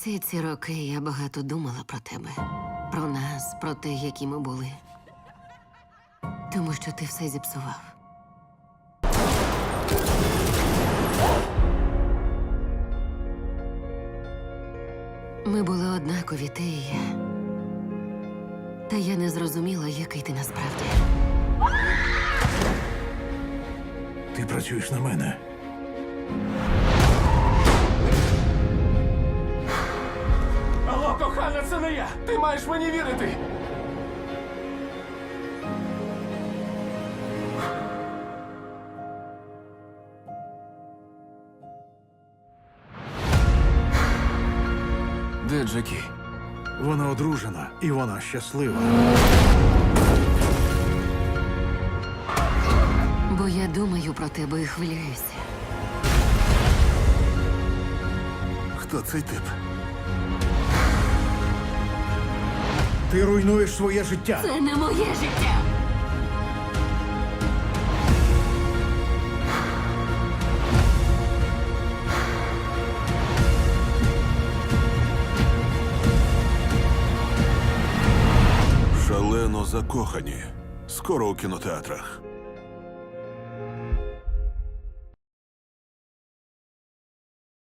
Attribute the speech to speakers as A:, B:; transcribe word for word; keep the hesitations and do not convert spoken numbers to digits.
A: Всі ці роки я багато думала про тебе, про нас, про те, які ми були. Тому що ти все зіпсував. Ми були однакові, ти і я. Та я не зрозуміла, який ти насправді.
B: Ти працюєш на мене.
C: Алло, кохана, це не я! Ти маєш мені вірити! Де Джекі?
B: Вона одружена, і вона щаслива.
A: Бо я думаю про тебе і хвилююся.
B: Хто цей тип? Ти руйнуєш своє життя.
A: Це не моє життя!
D: Шалено закохані. Скоро у кінотеатрах.